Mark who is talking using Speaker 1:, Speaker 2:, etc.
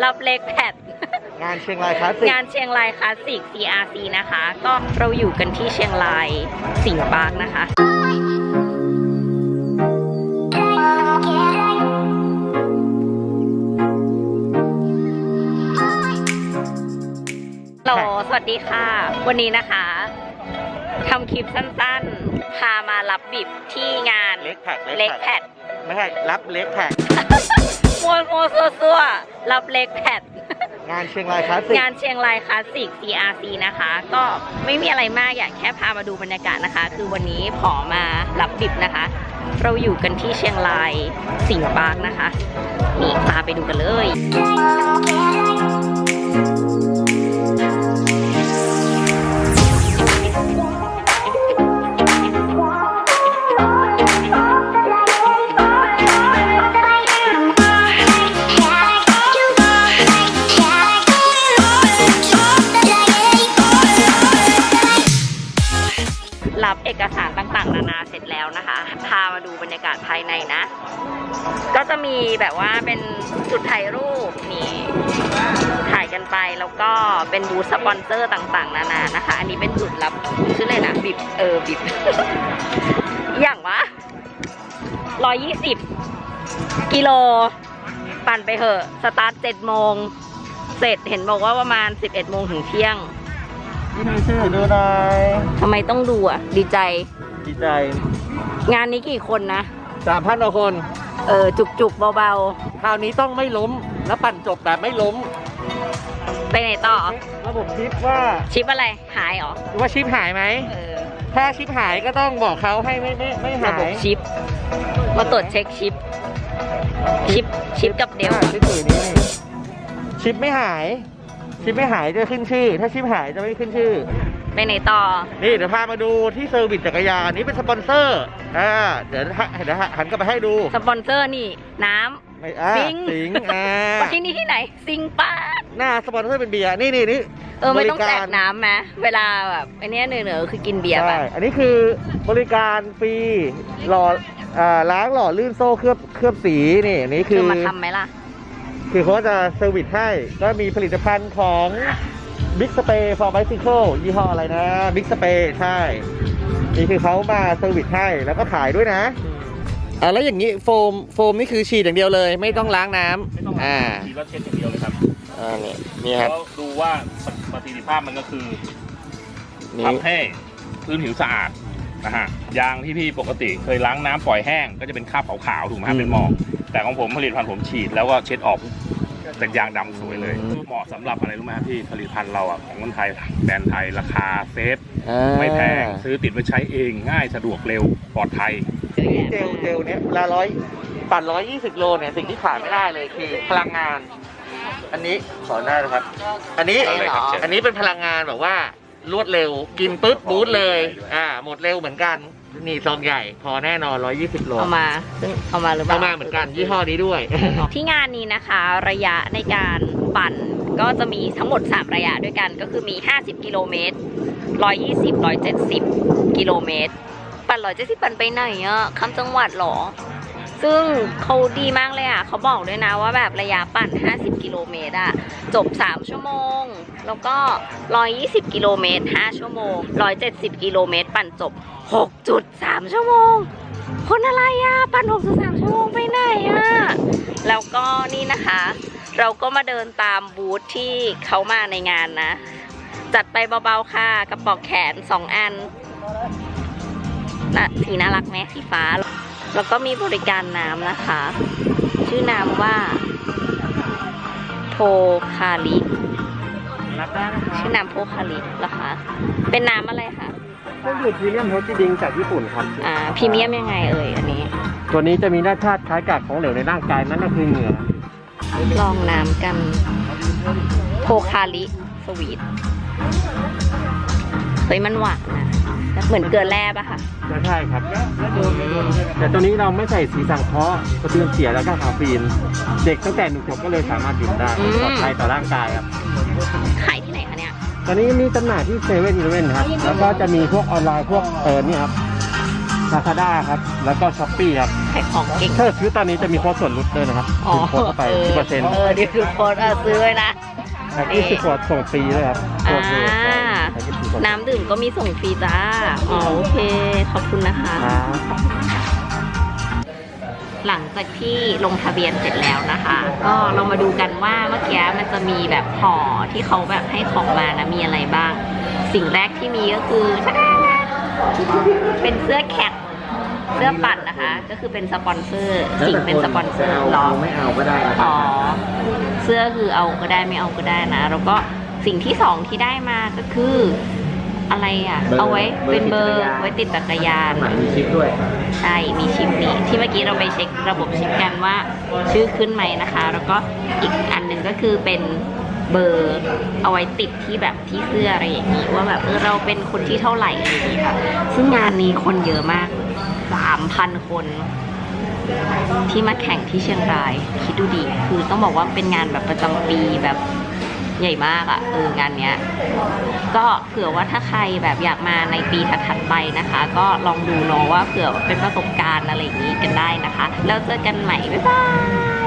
Speaker 1: รับเล็กแพด
Speaker 2: งานเชียงรายคลาสสิก
Speaker 1: งานเชียงรายคลาสสิก CRC นะคะก็เราอยู่กันที่เชียงรายสิงห์ปาร์คนะคะสวัสดีค่ะวันนี้นะคะทำคลิปสั้นๆพามารับบิบที่งานเล็กแพด
Speaker 2: ไม่ใช่รับเล็กแพด
Speaker 1: มัวซัวรับเล็กแพด
Speaker 2: งานเชียงรายคลาสสิก
Speaker 1: งานเชียงรายคลาสสิก CRC นะคะก็ไม่มีอะไรมากอยากแค่พามาดูบรรยากาศนะคะคือวันนี้ขอมารับบิบนะคะเราอยู่กันที่เชียงรายสิงห์ปาร์คนะคะนี่พาไปดูกันเลยรับเอกสารต่างๆนานาเสร็จแล้วนะคะพามาดูบรรยากาศภายในนะก็จะมีแบบว่าเป็นจุดถ่ายรูปนี่ถ่ายกันไปแล้วก็เป็นบูธสปอนเซอร์ต่างๆนานานะคะอันนี้เป็นจุดรับชื่อเลยนะบิบบิบ อย่างวะ120 กิโลปั่นไปเถอะสตาร์ท7 โมงเสร็จเห็นบอกว่าประมาณ11 โมงถึงเที่ยง
Speaker 2: นี่ดูชื่อดูหน่อย
Speaker 1: ทำไมต้องดูอ่ะดีใจงานนี้กี่คนนะ
Speaker 2: 3,000 กว่าคน
Speaker 1: จุกเบา
Speaker 2: ๆคราวนี้ต้องไม่ล้มแล้วปั่นจบแบบไม่ล้ม
Speaker 1: ไปไหนต่อ
Speaker 2: ระบบชิปว่า
Speaker 1: ชิปอะไรหายหรอ
Speaker 2: ว่าชิปหายไหมถ้าชิปหายก็ต้องบอกเขาให้ไม่หาย
Speaker 1: ระบบชิปมาตรวจเช็คชิปกับเดล
Speaker 2: ชิปอื่นนี่ชิปไม่หายจะขึ้นชื่อถ้าชิปหายจะไม่ขึ้นชื่อ
Speaker 1: ไปไหนต่อ
Speaker 2: นี่เดี๋ยวพามาดูที่เซอร์วิสจักรยานนี้เป็นสปอนเซอร์เดี๋ยวหันกลับไปให้ดู
Speaker 1: สปอนเซอร์นี่น้ำ
Speaker 2: สิง
Speaker 1: ที่นี่ที่ไหนสิงป้า
Speaker 2: หน้าสปอนเซอร์เป็นเบียร์นี่
Speaker 1: ไม่ต้องแจกน้ำไหมเวลาแบบไอ้นี่เหนือคือกินเบียร์ไป
Speaker 2: อันนี้คือบริการฟรีล้างหล่อลื่นโซ่เคลือบสีนี่คือ
Speaker 1: มาทำไหมล่ะ
Speaker 2: คือเขาจะเซอร์วิสให้ก็มีผลิตภัณฑ์ของ Big Spray for Bicycle ยี่ห้ออะไรนะ Big Spray ใช่นี่คือเขามาเซอร์วิสให้แล้วก็ขายด้วยนะแล้วอย่างนี้โฟมนี่คือฉีดอย่างเดียวเลยไม่ต้องล้างน้ำ
Speaker 3: ฉีดแล้วเช็ดอย่างเดียวเลยครับ
Speaker 2: นี่ครับ
Speaker 3: แล้วดูว่าประสิทธิภาพมันก็คือทำให้พื้นผิวสะอาดนะฮะยางที่พี่ปกติเคยล้างน้ำปล่อยแห้งก็จะเป็นคราบขาวๆถูกไหมครับเป็นหมอกแต่ของผมผลิตภัณฑ์ผมฉีดแล้วก็เช็ดออกเป็นยางดำสวยเลยเหมาะสำหรับอะไรรู้ไหมครับพี่ผลิตภัณฑ์เราของคนไทยแบรนด์ไทยราคาเซฟไม่แพงซื้อติดไว้ใช้เองง่ายสะดวกเร็วปลอดภัย
Speaker 2: เจลเนี่ยเวลาปั่น120 โลเนี่ยสิ่งที่ขาดไม่ได้เลยคือพลังงานอันนี้ขอหน้านะครับอันนี้เป็นพลังงานแบบว่ารวดเร็วกินปุ๊บบูทเลยหมดเร็วเหมือนกันนี่ซองใหญ่พอแน่นอน120 โล
Speaker 1: เอามาหรือเปล่า
Speaker 2: เอามาเหมือนกันยี่ห้อนี้ด้วย
Speaker 1: ที่งานนี้นะคะระยะในการปั่นก็จะมีทั้งหมด3ระยะด้วยกันก็คือมี50 กิโลเมตร120 170 กิโลเมตรปั่น170ปั่นไปไหนข้ามจังหวัดหรอซึ่งเขาดีมากเลยเขาบอกด้วยนะว่าแบบระยะปั่น50 กิโลเมตรจบ3 ชั่วโมงแล้วก็120 กิโลเมตร5 ชั่วโมง170 กิโลเมตรปั่นจบ 6.3 ชั่วโมงคนอะไรปั่น 6.3 ชั่วโมงไปไหนแล้วก็นี่นะคะเราก็มาเดินตามบูธที่เขามาในงานนะจัดไปเบาๆค่ะกระบอกแขน2 อันสีน่ารักไหมสีฟ้าแล้วก็มีบริการน้ำนะคะชื่อน้ำว่าโพคาลิชื่อน้ำโพคาลิเหรอคะเป็นน้ำอะไรคะ
Speaker 2: เครื่องดื่มพรีเมียมเฮลตี้ดริงจากญี่ปุ่นครับ
Speaker 1: พรีเมียมยังไงอันนี้
Speaker 2: ตัวนี้จะมีรสชาติคล้ายกับของเหลวในร่างกายนั่นก็คือเหงื่อ
Speaker 1: ลองน้ำกันโพคาลิสวีทมันหวานนะเหมือนเกลือแร่ป่ะคะ
Speaker 2: ใช่ครับแต่ตัวนี้เราไม่ใส่สีสังเคราะห์กระเทียมเสียแล้วก็คาเฟอีนเด็กตั้งแต่1 ขวบก็เลยสามารถดื่มได้ปลอดภัยต่อร่างกายครับ
Speaker 1: ขายที่ไหนคะเนี่ย
Speaker 2: ตอนนี้มีจำหน่ายที่7-11ครับแล้วก็จะมีพวกออนไลน์พวกนี่ครับ
Speaker 4: Lazada ครับแล้วก็ Shopee ครับ
Speaker 1: ขายของเก่ง
Speaker 4: ถ้าซื้อตอนนี้จะมีโค้ดส่วนลดด้วยนะครับ
Speaker 1: อ๋อ
Speaker 4: โค้ดเข้าไป 10%
Speaker 1: นี่คือโค้ดซื้อไว้นะ
Speaker 4: 20 ขวดส่งฟรีด้วยครับโค้ดเลย
Speaker 1: อ่า
Speaker 4: ใช้20 ขวด
Speaker 1: น้ำดื่มก็มีส่งฟรีจ้า อ๋อโอเค ขอบคุณนะคะ
Speaker 4: ครับ
Speaker 1: หลังจากที่ลงทะเบียนเสร็จแล้วนะคะ ก็เรามาดูกันว่าเมื่อกี้มันจะมีแบบห่อที่เขาแบบให้ของมานะมีอะไรบ้าง สิ่งแรกที่มีก็คือเป็นเสื้อแคทเสื้อปั่นนะคะ ก็คือเป็นสปอนเซอร์สิ่งเป็นสปอนเซอร์หรอ
Speaker 2: ไม่เอาก็ได้นะครั
Speaker 1: อ๋อ เสื้อคือเอาก็ได้ไม่เอาก็ได้นะ แล้วก็สิ่งที่สองที่ได้มาก็คืออะไรอ่ะ เอาไว้เป็นเบอร์ไว้ติดจักรยาน
Speaker 2: มีชิปด้วย
Speaker 1: ใช่ มีชิปนี้ที่เมื่อกี้เราไปเช็คระบบชิปกันว่าชื่อขึ้นไหมนะคะ แล้วก็อีกอันหนึ่งก็คือเป็นเบอร์เอาไว้ติดที่แบบที่เสื้ออะไรอย่างนี้ว่าแบบเราเป็นคนที่เท่าไหร่อะไรอย่างนี้ค่ะ ซึ่งงานนี้คนเยอะมาก 3,000 คน ที่มาแข่งที่เชียงราย คิดดูดิคือต้องบอกว่าเป็นงานแบบประจำปีแบบใหญ่มากอะ่ะงานเนี้ยก็เผื่อว่าถ้าใครแบบอยากมาในปีถัดๆไปนะคะ ก็ลองดูเนาะว่าเผื่อเป็นประสบการณ์อะไรอย่างนี้กันได้นะคะแล้วเจอกันใหม่บ๊ายบาย